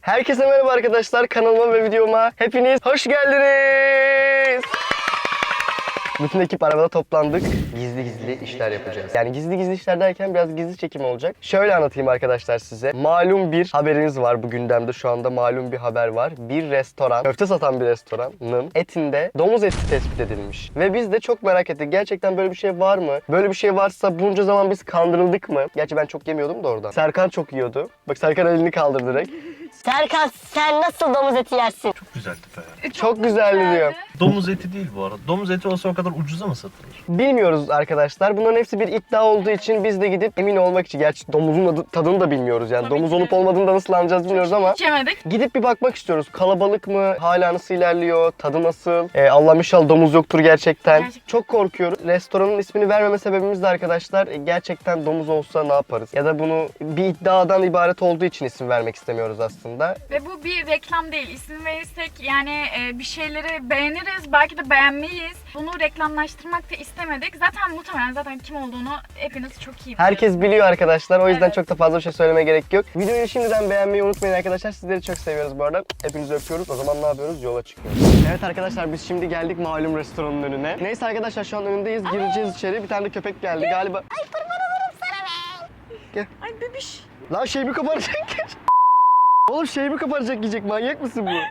Herkese merhaba arkadaşlar, kanalıma ve videoma hepiniz hoş geldiniz. Bütün ekip arabada toplandık. Gizli gizli işler yapacağız. Yani gizli gizli işler derken biraz gizli çekim olacak. Şöyle anlatayım arkadaşlar size. Malum bir haberimiz var bu gündemde. Şu anda malum bir haber var. Bir restoran, köfte satan bir restoranın etinde domuz eti tespit edilmiş. Ve biz de çok merak ettik. Gerçekten böyle bir şey var mı? Böyle bir şey varsa bunca zaman biz kandırıldık mı? Gerçi ben çok yemiyordum da oradan. Serkan çok yiyordu. Bak Serkan elini kaldırdı direkt. Serkan sen nasıl domuz eti yersin? Çok güzel tipe ya. Çok güzeldi diyor. Domuz eti değil bu arada. Domuz eti olsa o kadar ucuza mı satılır? Bilmiyoruz arkadaşlar. Bunların hepsi bir iddia olduğu için biz de gidip emin olmak için. Gerçi domuzun tadını da bilmiyoruz yani. Tabii Domuz ki. olup olmadığını da nasıl anlayacağız bilmiyoruz ama. Hiç yemedik. Gidip bir bakmak istiyoruz. Kalabalık mı? Hala nasıl ilerliyor? Tadı nasıl? Allah inşallah domuz yoktur gerçekten. Çok korkuyoruz. Restoranın ismini vermeme sebebimiz de arkadaşlar gerçekten domuz olsa ne yaparız? Ya da bunu bir iddiadan ibaret olduğu için isim vermek istemiyoruz aslında. Ve bu bir reklam değil. İsim verirsek yani bir şeyleri beğeniriz, belki de beğenmeyiz. Bunu reklamlaştırmak da istemedik. Zaten kim olduğunu hepiniz çok iyi biliyorsunuz. Herkes biliyor arkadaşlar. O yüzden Evet. çok da fazla bir şey söylemeye gerek yok. Videoyu şimdiden beğenmeyi unutmayın arkadaşlar. Sizleri çok seviyoruz bu arada. Hepinizi öpüyoruz. O zaman ne yapıyoruz? Yola çıkıyoruz. Evet arkadaşlar biz şimdi geldik malum restoranın önüne. Neyse arkadaşlar şu an önündeyiz. Gireceğiz içeri. Bir tane de köpek geldi galiba. Ay kurban olurum sana be. Ay bebiş. Lan şey mi kaparacak? Oğlum şey mi kaparacak yiyecek? Manyak mısın bu?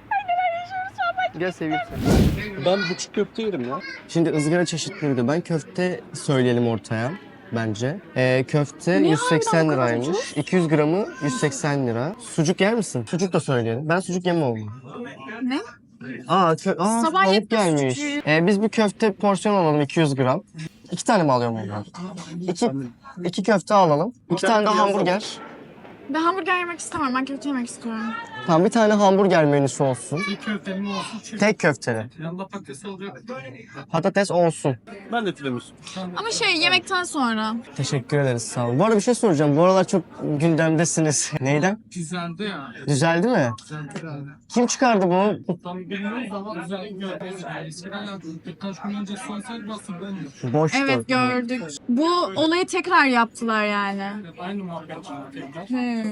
Gel seveyim seni. Ben buçuk köfte yerim ya. Şimdi ızgara çeşitleri de. Ben köfte söyleyelim ortaya bence. Köfte 180 o kadar liraymış. ucuz? 200 gramı 180 lira. Sucuk yer misin? Sucuk da söyleyelim. Ben sucuk yemem oğlum. Ne? Tavuk Sabah yetmez gelmiş. sucuğu. Biz bir köfte porsiyon alalım 200 gram. 2 tane mi alıyorum ondan? İki köfte alalım. 2 tane de hamburger. Ben hamburger yemek istemem. Ben köfte yemek istiyorum. Tamam bir tane hamburger menüsü olsun. Bir köfteli mi olsun? Çift. Tek köfteli. Yanında patates olacak. Patates olsun. Ben de tiramisu. Ama yemekten sonra. Teşekkür ederiz sağ olun. Bu arada bir şey soracağım. Bu aralar çok gündemdesiniz. Neyden? Güzeldi ya. Düzeldi mi? Güzeldi. Kim çıkardı bunu? Tam bilmiyoruz ama güzel gördük. Eskiden yaptık. Birkaç gün önce sosyal basın ben de. Boştu. Evet gördük. Bu olayı tekrar yaptılar yani. Aynı muhabbet tekrar.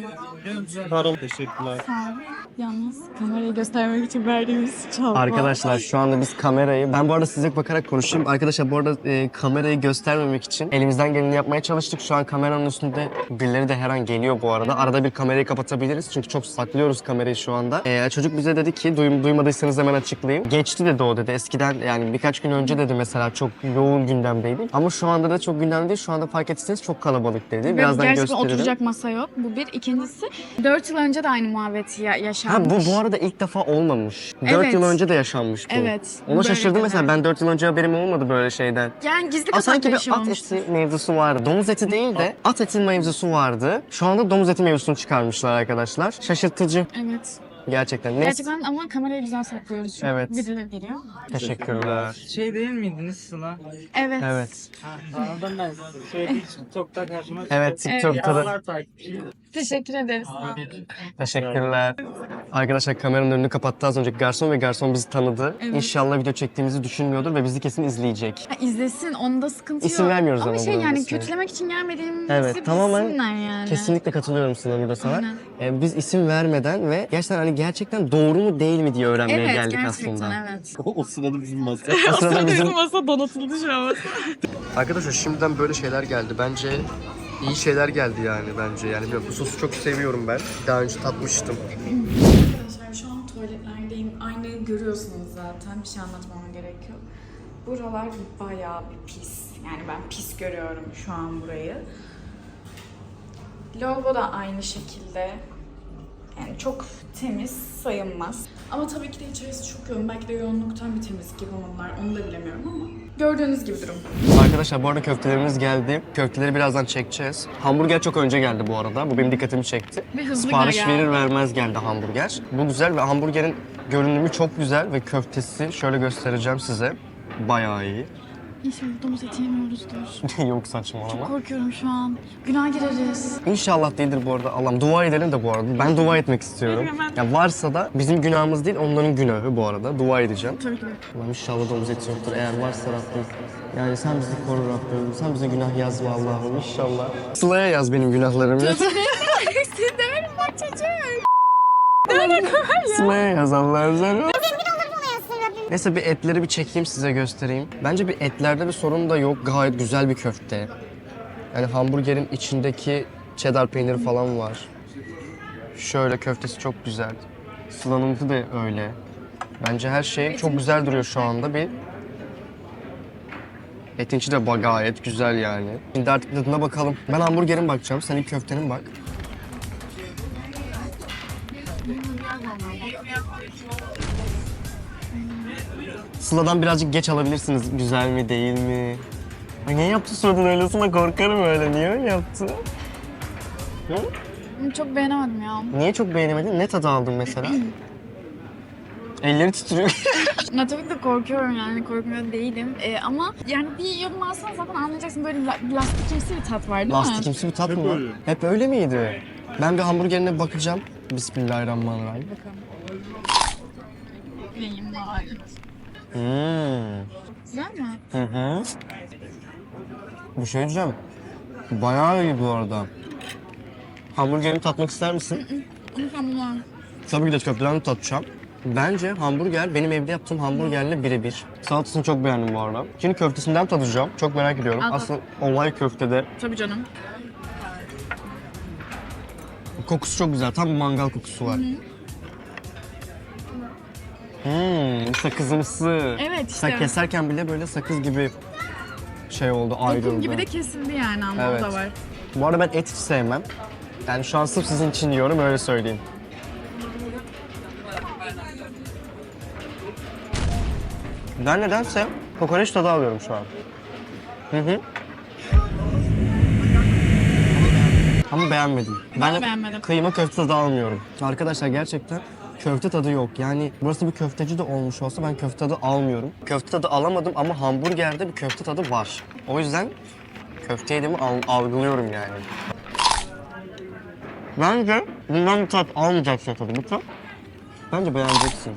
Hı. Harun. Teşekkürler. Sağ ol. Yalnız kamerayı göstermek için verdiğimiz çalma. Arkadaşlar şu anda biz kamerayı... Ben bu arada size bakarak konuşayım. Arkadaşlar bu arada kamerayı göstermemek için elimizden geleni yapmaya çalıştık. Şu an kameranın üstünde birileri de her an geliyor bu arada. Arada bir kamerayı kapatabiliriz. Çünkü çok saklıyoruz kamerayı şu anda. Çocuk bize dedi ki duymadıysanız hemen açıklayayım. Geçti dedi o dedi. Eskiden yani birkaç gün önce dedi mesela çok yoğun gündemdeydi. Ama şu anda da çok gündemde değil. Şu anda fark etseniz çok kalabalık dedi. Ve Birazdan gerçekten gösteririm. oturacak masa yok. Bu bir. İkincisi 4 yıl önce de aynı muhabbeti Ha yaşanmış. bu arada ilk defa olmamış. 4 Evet. yıl önce de yaşanmış bu. Evet. Ona Böyle şaşırdım mesela. şeyler. Ben 4 yıl önce haberim olmadı böyle şeyden. Yani gizli Sanki kapaklı bir şey bir at olmuştu. eti mevzusu vardı. Domuz eti değil de at eti mevzusu vardı. Şu anda domuz eti mevzusunu çıkarmışlar arkadaşlar. Şaşırtıcı Evet. gerçekten. Neyse. Gerçekten ama kamerayı güzel saklıyoruz. Çünkü Evet. birileri geliyor. Teşekkürler. Şey değil miydiniz Sıla? Evet. Evet. Anladım ben. Söylediği için TikTok'ta karşıma çıktı. Evet TikTok'ta da. Onlar takipçi. Teşekkür ederiz. Teşekkürler. Arkadaşlar kameranın önünü kapattı az önce garson ve garson bizi tanıdı. Evet. İnşallah video çektiğimizi düşünmüyordur ve bizi kesin izleyecek. Ha, izlesin, onda sıkıntı İsim yok. vermiyoruz ama Ama bunun yani ismini. kötülemek için gelmediğimizi Evet, tamamen bilsinler yani. Kesinlikle katılıyorum sana burada sana. Aynen. Biz isim vermeden ve gerçekten doğru mu değil mi diye öğrenmeye Evet, geldik gerçekten aslında. evet. O sırada bizim masa. O sırada bizim... masa donatıldı şu an. Arkadaşlar şimdiden böyle şeyler geldi. Bence iyi şeyler geldi yani bence. Yani bu sosu çok seviyorum ben. Daha önce tatmıştım. Arkadaşlar şu an tuvaletlerdeyim. Aynayı görüyorsunuz zaten. Bir şey anlatmama gerek yok. Buralar bayağı bir pis. Yani ben pis görüyorum şu an burayı. Lavabo da aynı şekilde. Yani çok temiz sayılmaz. Ama tabii ki de içerisi çok yoğun. Belki de yoğunluktan bir temizlik yapamadılar. Onu da bilemiyorum ama. Gördüğünüz gibi durum. Arkadaşlar bu arada köftelerimiz geldi. Köfteleri birazdan çekeceğiz. Hamburger çok önce geldi bu arada. Bu benim dikkatimi çekti. Ve hızlı Sipariş geldi. verir vermez geldi hamburger. Bu güzel ve hamburgerin görünümü çok güzel ve köftesi şöyle göstereceğim size. Bayağı iyi. İnşallah domuz eti yemiyoruzdur. Yok saçmalama. Korkuyorum şu an. Günah gireriz. İnşallah değildir bu arada. Allah'ım dua edelim de bu arada. Ben dua etmek istiyorum. Hemen. Ya varsa da bizim günahımız değil onların günahı bu arada. Dua edeceğim. Tabii ki de. Allah'ım inşallah domuz eti yoktur. Eğer varsa Rabbim. Yani sen bizi koru Rabbim. Sen bize günah yazma Allah'ım inşallah. Sıla'ya yaz benim günahlarımı. Siz demeyin bak çocuğum. İsmail yazanlar zor. Neyse bir etleri bir çekeyim size göstereyim. Bence bir etlerde bir sorun da yok. Gayet güzel bir köfte. Yani hamburgerin içindeki cheddar peyniri falan var. Şöyle köftesi çok güzel. Slanımsı da öyle. Bence her şey çok güzel duruyor şu anda. Bir etin içi de gayet güzel yani. Şimdi artık tadına bakalım. Ben hamburgerin bakacağım. Sen ilk köftenin bak. Sıla'dan birazcık geç alabilirsiniz. Güzel mi değil mi? Ay niye yaptı suratını öyle? Sana korkarım öyle. Niye öyle yaptı? Hı? Çok beğenemedim ya. Niye çok beğenemedin? Ne tadı aldın mesela? Elleri titriyor. Ya tabii ki de korkuyorum yani korkmuyor değilim. Ama yani bir yorum alsan zaten anlayacaksın böyle lastikimsi bir tat var değil mi? Lastikimsi bir tat mı? öyle. Hep öyle miydi? Ben bir hamburgerine bakacağım. Bismillahirrahmanirrahim. Bakalım. Neyim var? Güzel mi? Hı hı. Bir şey diyeceğim. Bayağı iyi bu arada. Hamburgerini tatmak ister misin? Mükemmel. Tabii ki de köfteden tatacağım. Bence hamburger benim evde yaptığım hamburgerle birebir. Salatasını çok beğendim bu arada. Şimdi köftesinden tadacağım. Çok merak ediyorum. Al. Aslında olay köftede. Tabii canım. Kokusu çok güzel. Tam bir mangal kokusu var. Sakızımsı. Evet Sen işte. keserken bile böyle sakız gibi şey oldu, ayrıldı. Dokum gibi de kesildi yani ama Evet. o da var. Bu arada ben et hiç sevmem. Yani şu an sırf sizin için yiyorum, öyle söyleyeyim. Ben nedense kokoreç tadı alıyorum şu an. Hı hı. Ama beğenmedim. Ben de beğenmedim. Kıyma köfte tadı almıyorum. Arkadaşlar gerçekten köfte tadı yok. Yani burası bir köfteci de olmuş olsa ben köfte tadı almıyorum. Köfte tadı alamadım ama hamburgerde bir köfte tadı var. O yüzden köfte yediğimi algılıyorum yani. Bence bundan bir tat almayacaksın tadı. Bu tat bence beğeneceksin.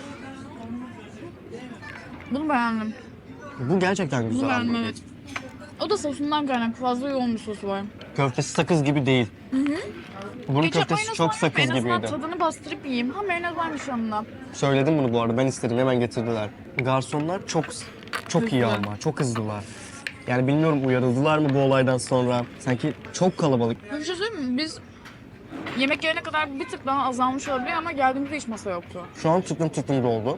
Bunu beğendim. Bu gerçekten Bunu güzel beğendim hamburger. evet. O da sosundan kaynaklı fazla yoğun bir sosu var. Köftesi sakız gibi değil. Bunun Ketçap köftesi mayonez çok var. sakız En azından gibiydi. tadını bastırıp yiyeyim. Ha mayonez varmış yanında. Söyledim bunu bu arada. Ben istedim. Hemen getirdiler. Garsonlar çok iyi Hızlı. ama. Çok hızlılar. Yani bilmiyorum uyarıldılar mı bu olaydan sonra. Sanki çok kalabalık. Bir şey söyleyeyim mi? Biz yemek yerine kadar bir tık daha azalmış olabilir ama geldiğimizde hiç masa yoktu. Şu an tıklım doldu.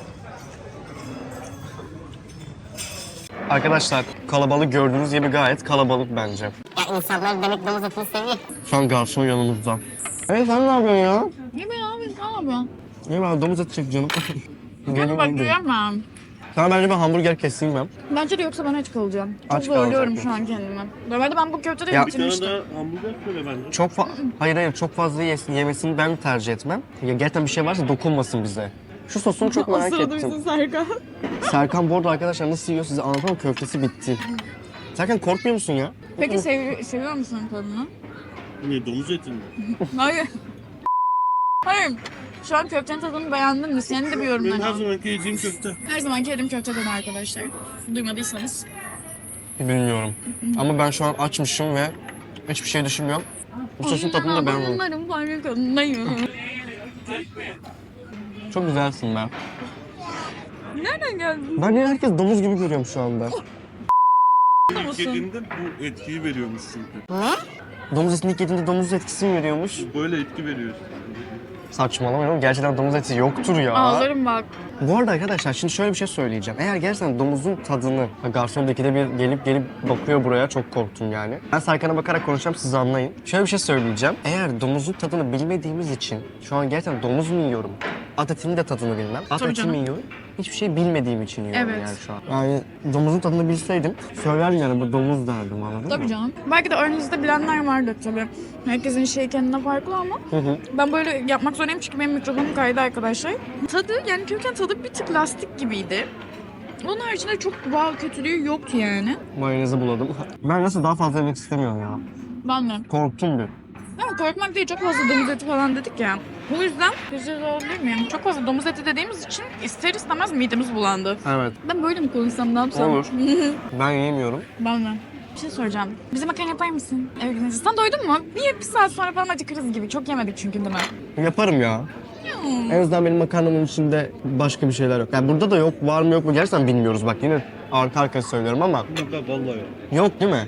Arkadaşlar kalabalık gördüğünüz gibi gayet kalabalık bence. Ya insanlar demek domuz etini seviyor. Şu an garson yanımızda. Hey sen ne yapıyorsun ya? Ne be abi ne yapıyorsun? İyi ben domuz eti çek canım. Bana bak duyamam. Sana bence ben hamburger keseyim ben. Bence de yoksa ben aç kalacağım. Çok Aç zorluyorum kalacak şu an kendimi. Normalde ben bu köfteleri Ya- bitirmiştim. hamburger söyle bence. Hayır çok fazla yemesini ben tercih etmem. Ya gerçekten bir şey varsa dokunmasın bize. Şu sosunu çok O merak sırada ettim. bizim Serkan. Serkan bu arada arkadaşlar nasıl yiyor size anlatamam, köftesi bitti. Serkan korkmuyor musun ya? Peki seviyor musun tadını? Ne domuz eti mi? Hayır. Hayır. Şu an köftenin tadını beğendin mi? Senin de bir Benim yorumların her al. zamanki yediğim köfte. Her zamanki yedim köfteden arkadaşlar. Duymadıysanız. Bilmiyorum. Ama ben şu an açmışım ve hiçbir şey düşünmüyorum. Bu sosun tadını da beğenmedim. Onların farkındayım. Çok güzelsin be. Nereden geldin? Ben herkes domuz gibi görüyorum şu anda. Musun? Yediğinde bu etkiyi veriyormuş çünkü. Domuz etini ilk yediğinde domuz etkisi mi veriyormuş? Böyle etki veriyor. Saçmalamayalım. Gerçekten domuz eti yoktur ya. Ağlarım bak. Bu arada arkadaşlar şimdi şöyle bir şey söyleyeceğim. Eğer gerçekten domuzun tadını, garsondaki de bir gelip bakıyor buraya, çok korktum yani. Ben Serkan'a bakarak konuşacağım, siz anlayın. Şöyle bir şey söyleyeceğim. Eğer domuzun tadını bilmediğimiz için şu an gerçekten domuz mu yiyorum? At etinin de tadını bilmem. At Tabii eti canım. mi yiyorum? Hiçbir şey bilmediğim için yiyorum Evet. yani şu an. Yani domuzun tadını bilseydim söylerdim yani bu domuz derdim, anladın mı? Tabii canım. Belki de aranızda bilenler vardır tabii. Herkesin şeyi kendine farklı ama ben böyle yapmak zorundayım çünkü benim mikrofonum kaydı arkadaşlar. Tadı yani köken tadı bir tık lastik gibiydi. Onun haricinde çok kötülüğü yoktu yani. Mayonezi buladım. Ben nasıl daha fazla yemek istemiyorum ya. Ben de. Korktum bir. Ama korkmak değil, çok fazla domuz eti falan dedik ya. Bu yüzden güzel olabilir miyim? Çok fazla domuz eti dediğimiz için ister istemez midemiz bulandı. Evet. Ben böyle mi konuşsam, ne yapsam? Olur. Ben yemiyorum. Ben de. Bir şey soracağım. Bize makarna yapar mısın? Eve gidince. Sen doydun mu? Niye bir saat sonra falan acıkırız gibi? Çok yemedik çünkü değil mi? Yaparım ya. En azından benim makarnamın içinde başka bir şeyler yok. Yani burada da yok, var mı yok mu gerçekten bilmiyoruz. Bak yine arka arkaya söylüyorum ama Yok vallahi yok. yok değil mi?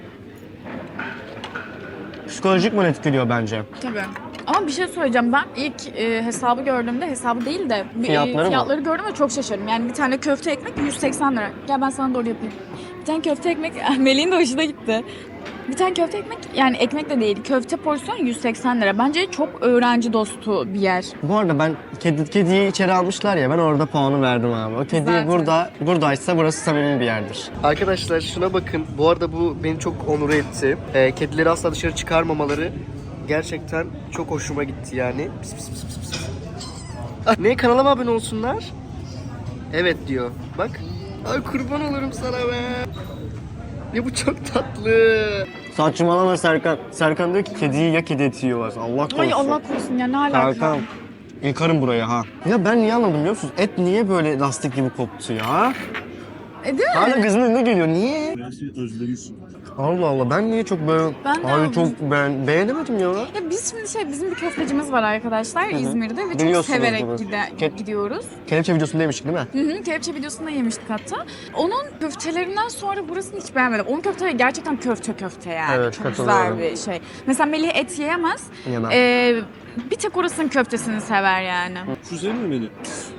Psikolojik mi etkiliyor bence? Tabii. Ama bir şey söyleyeceğim, ben ilk hesabı gördüğümde, hesabı değil de fiyatları gördüm ve çok şaşırdım. Yani bir tane köfte ekmek 180 lira. Gel ben sana doğru yapayım. Bir tane köfte ekmek, Melih'in de hoşuna gitti. Bir tane köfte ekmek, yani ekmek de değil, köfte porsiyon 180 lira. Bence çok öğrenci dostu bir yer. Bu arada ben kediyi içeri almışlar ya, ben orada puanı verdim abi. O kedi Zaten. buradaysa burası samimi bir yerdir. Arkadaşlar şuna bakın. Bu arada bu beni çok onur etti. Kedileri asla dışarı çıkarmamaları gerçekten çok hoşuma gitti yani. Pis pis pis pis pis. Ah, ne, kanalıma abone olsunlar? Evet diyor. Bak. Ay kurban olurum sana be. Ya bu çok tatlı. Saçmalama Serkan. Serkan diyor ki kediyi ya kedi eti yiyorlar. Allah korusun. Ay Allah korusun ya, ne alaka? Serkan. Yıkarım buraya ha. Ya ben niye anladım biliyor musunuz? Et niye böyle lastik gibi koptu ya? Değil mi? Hala gözümün önüne geliyor. Niye? Özlemişsin. Allah Allah, ben niye çok böyle... Ben de Ay aldım. çok beğenemedim ya. Ya biz şimdi bizim bir köftecimiz var arkadaşlar İzmir'de ve çok Biliyorsunuz severek bunu. gidiyoruz. Kelepçe videosundaymıştık değil mi? Hı hı, kelepçe videosunda yemiştik hatta. Onun köftelerinden sonra burasını hiç beğenmedim. Onun köfteleri gerçekten köfte yani. Evet, çok katılıyorum. güzel bir şey. Mesela Melih et yiyemez. Yemem. Bir tek orasının köftesini sever yani. Güzel mi beni?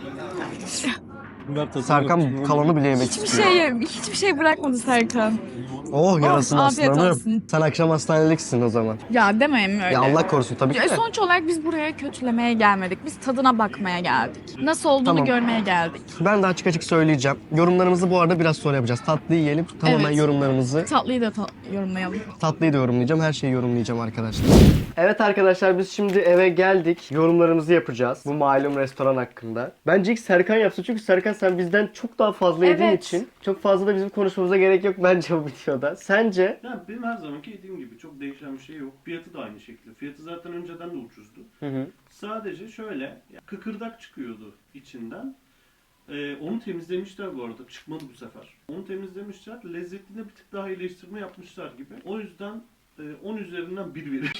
Serkan kalanı bile yemek istiyor. Hiçbir şey bırakmadı Serkan. Oh yarasın afiyet aslanım. olsun. Sen akşam hastaneliksin o zaman. Ya demeyin öyle. Ya Allah korusun tabii ki Ya de. sonuç olarak biz buraya kötülemeye gelmedik. Biz tadına bakmaya geldik. Nasıl olduğunu Tamam. görmeye geldik. Ben de açık açık söyleyeceğim. Yorumlarımızı bu arada biraz sonra yapacağız. Tatlıyı yiyelim. Tamamen Evet. yorumlarımızı. Tatlıyı da yorumlayalım. Tatlıyı da yorumlayacağım. Her şeyi yorumlayacağım arkadaşlar. Evet arkadaşlar, biz şimdi eve geldik. Yorumlarımızı yapacağız. Bu malum restoran hakkında. Bence ilk Serkan yapsın. Çünkü Serkan sen bizden çok daha fazla yediğin Evet. için çok fazla da bizim konuşmamıza gerek yok bence bu videoda. Sence? Yani benim her zamanki yediğim gibi çok değişen bir şey yok. Fiyatı da aynı şekilde. Fiyatı zaten önceden de ucuzdu. Hı hı. Sadece şöyle kıkırdak çıkıyordu içinden. Onu temizlemişler bu arada. Çıkmadı bu sefer. Onu temizlemişler. Lezzetine bir tık daha iyileştirme yapmışlar gibi. O yüzden 10 üzerinden 1 verir.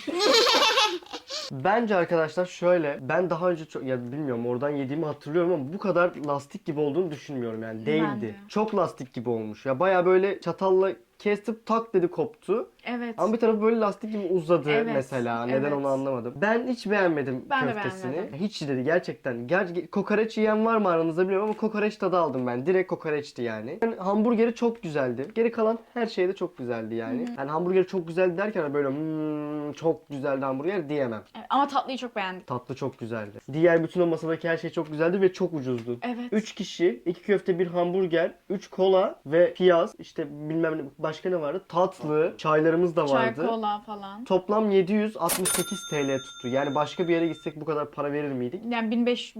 Bence arkadaşlar şöyle, ben daha önce çok, ya bilmiyorum oradan yediğimi hatırlıyorum ama bu kadar lastik gibi olduğunu düşünmüyorum yani, Ben değildi. de. Çok lastik gibi olmuş ya, baya böyle çatalla kestim tak dedi koptu. Evet. Ama bir tarafı böyle lastik gibi uzadı Evet, mesela. Neden evet. onu anlamadım. Ben hiç beğenmedim Ben de köftesini. beğenmedim. Hiç dedi gerçekten. Kokoreç yiyen var mı aranızda bilmiyorum ama kokoreç tadı aldım ben. Direkt kokoreçti yani. Yani hamburgeri çok güzeldi. Geri kalan her şey de çok güzeldi yani. Yani hamburgeri çok güzeldi derken böyle çok güzeldi hamburger diyemem. Evet, ama tatlıyı çok beğendik. Tatlı çok güzeldi. Diğer bütün o masadaki her şey çok güzeldi ve çok ucuzdu. Evet. 3 kişi, 2 köfte, 1 hamburger, 3 kola ve piyaz, işte bilmem ne, başka ne vardı? Tatlı, çaylarımız da Çay, vardı. kola falan. Toplam 768 TL tuttu. Yani başka bir yere gitsek bu kadar para verir miydik? Yani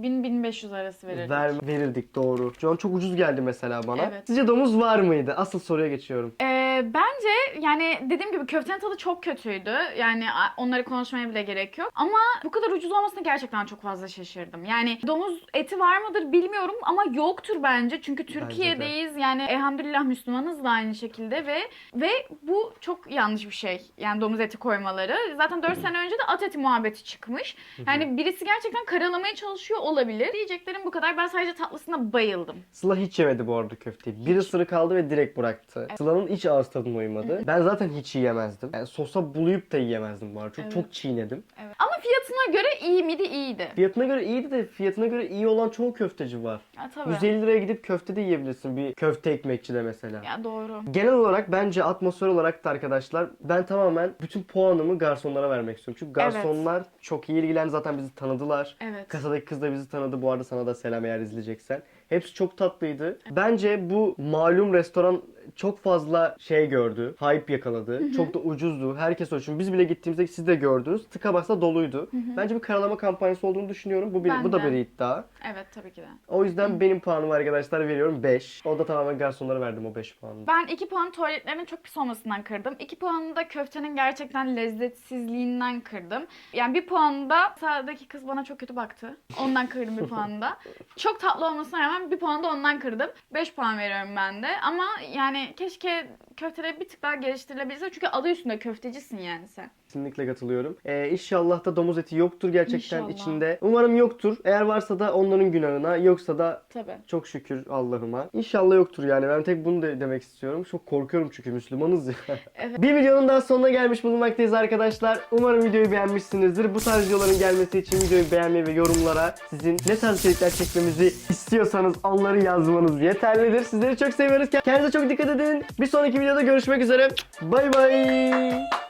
1500 arası verirdik. Verirdik doğru. Şu an çok ucuz geldi mesela bana. Evet. Sizce domuz var mıydı? Asıl soruya geçiyorum. Bence yani dediğim gibi köftenin tadı çok kötüydü. Yani onları konuşmaya bile gerek yok. Ama bu kadar ucuz olmasına gerçekten çok fazla şaşırdım. Yani domuz eti var mıdır bilmiyorum ama yoktur bence. Çünkü Türkiye'deyiz. Yani elhamdülillah Müslümanız da aynı şekilde ve bu çok yanlış bir şey. Yani domuz eti koymaları. Zaten 4 sene önce de at eti muhabbeti çıkmış. Yani birisi gerçekten karalamaya çalışıyor olabilir. Diyeceklerim bu kadar. Ben sadece tatlısına bayıldım. Sıla hiç yemedi bu arada köfteyi. Bir ısırık aldı ve direkt bıraktı. Sıla'nın hiç ağız tadına uymadı. Ben zaten hiç yiyemezdim. Yani sosa bulayıp da yiyemezdim bu arada. Çok çiğnedim. Evet. Ama fiyatına göre iyi miydi? İyiydi. Fiyatına göre iyiydi de fiyatına göre iyi olan çoğu köfteci var. Ya, tabii. 150 liraya gidip köfte de yiyebilirsin bir köfte ekmekçide mesela. Ya doğru. Genel olarak bence atmosfer olarak da arkadaşlar ben tamamen bütün puanımı garsonlara vermek istiyorum. Çünkü garsonlar çok iyi ilgilendi, zaten bizi tanıdılar. Evet. Kasadaki kız da bizi tanıdı. Bu arada sana da selam eğer izleyeceksen. Hepsi çok tatlıydı. Bence bu malum restoran çok fazla şey gördü. Hype yakaladı. Çok da ucuzdu. Herkes o için. Biz bile gittiğimizde siz de gördünüz. Tıka basa doluydu. Bence bir karalama kampanyası olduğunu düşünüyorum. Bu da bir iddia. Evet tabii ki de. O yüzden benim puanımı arkadaşlar veriyorum 5. O da tamamen garsonlara verdim o 5 puanını. Ben 2 puan tuvaletlerin çok pis olmasından kırdım. 2 puanı da köftenin gerçekten lezzetsizliğinden kırdım. Yani 1 puanı da sağdaki kız bana çok kötü baktı. Ondan kırdım 1 puanı da. Çok tatlı olmasına rağmen 1 puanı da ondan kırdım. 5 puan veriyorum ben de. Ama yani keşke köfteleri bir tık daha geliştirilebilse. Çünkü adı üstünde köftecisin yani sen. Kesinlikle katılıyorum. İnşallah da domuz eti yoktur gerçekten İnşallah. içinde. Umarım yoktur. Eğer varsa da onların günahına, yoksa da Tabii. çok şükür Allah'ıma. İnşallah yoktur yani. Ben tek bunu da demek istiyorum. Çok korkuyorum çünkü Müslümanız ya. Evet. Bir videonun daha sonuna gelmiş bulunmaktayız arkadaşlar. Umarım videoyu beğenmişsinizdir. Bu tarz videoların gelmesi için videoyu beğenmeyi ve yorumlara sizin ne tarz içerikler çekmemizi istiyorsanız onları yazmanız yeterlidir. Sizleri çok seviyoruz. Kendinize çok dikkat edin. Bir sonraki videoda görüşmek üzere. Bay bay.